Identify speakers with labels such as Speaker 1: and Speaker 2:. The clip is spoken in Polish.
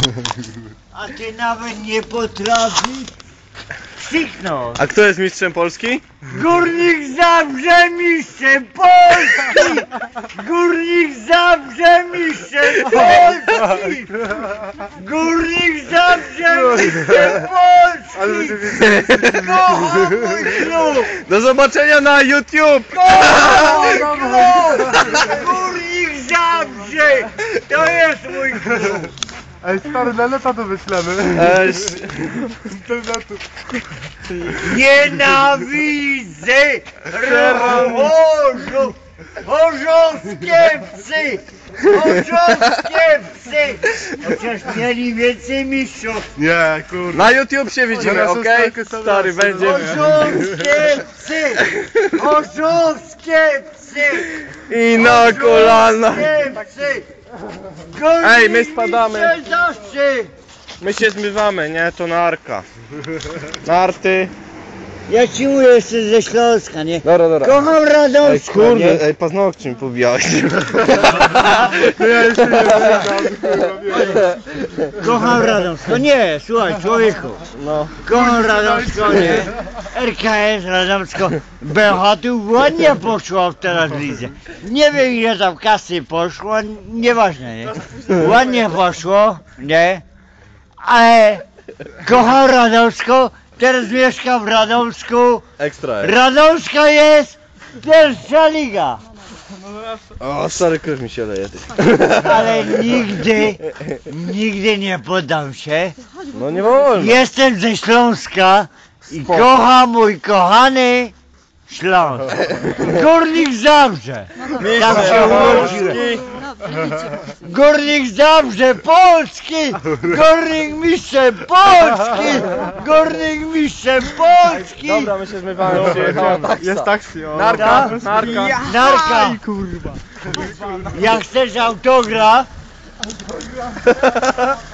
Speaker 1: A ty nawet nie potrafisz krzyknąć.
Speaker 2: A kto jest mistrzem Polski?
Speaker 1: Górnik Zabrze mistrzem Polski! Górnik Zabrze mistrzem Polski! Górnik Zabrze mistrzem Polski!
Speaker 3: Ale rzeczywiście...
Speaker 1: Kocham mój klub!
Speaker 2: Do zobaczenia na YouTube!
Speaker 1: Kocham mój klub! Górnik Zabrze! To jest mój klub!
Speaker 3: Ej, stary, na lata to wyślemy. Internetu.
Speaker 1: Nienawidzę chorzowskie psy! Chorzowskie psy! Chociaż mieli więcej mistrzów.
Speaker 3: Nie, kurde.
Speaker 2: Na YouTube się widzimy,
Speaker 3: Zaraz
Speaker 2: okej?
Speaker 3: ostatnie sobie
Speaker 2: Stary,
Speaker 3: raz.
Speaker 2: będzie...
Speaker 1: Chorzowskie psy! Chorzowskie psy!
Speaker 2: I na kolana!
Speaker 1: Chorzowskie psy!
Speaker 2: Ej, my spadamy.
Speaker 1: Górnik zawsze!
Speaker 2: My się zmywamy, nie? To narka. Narty.
Speaker 1: Ja ci mówię, jestem ze Śląska, nie?
Speaker 2: Dobra.
Speaker 1: Kocham
Speaker 2: Ej,
Speaker 1: Radomsko, nie?
Speaker 2: kurde, ej, paznokcie mi pobijałeś.
Speaker 3: No ja jeszcze nie pamiętam.
Speaker 1: Kocham Radomsko, nie, słuchaj człowieku.
Speaker 2: No.
Speaker 1: Kocham Radomsko, nie? RKS Radomsko. Bełchatów ładnie poszło w teraz lidze. Nie wiem ile tam kasy poszło, nieważne, nie? Ładnie poszło, nie? Ale kocham Radomsko, teraz mieszkam w Radomsku.
Speaker 2: Ekstra.
Speaker 1: Radomsko jest pierwsza liga.
Speaker 2: O, stary, krew mi się leje. Ty.
Speaker 1: Ale nigdy nie poddam się.
Speaker 2: No nie wolno.
Speaker 1: Jestem ze Śląska i kocham mój kochany Śląsk. Górnik Zabrze. Tam się urodziłem. Górnik Zabrze Polski. Górnik mistrzem Polski. Górnik mistrzem Polski.
Speaker 2: Dobra, my się zmywamy, przyjechała taksa.
Speaker 3: Jest taksi, o.
Speaker 2: Narka,
Speaker 1: Tak?
Speaker 2: narka.
Speaker 1: Narka. Jak chcesz autograf,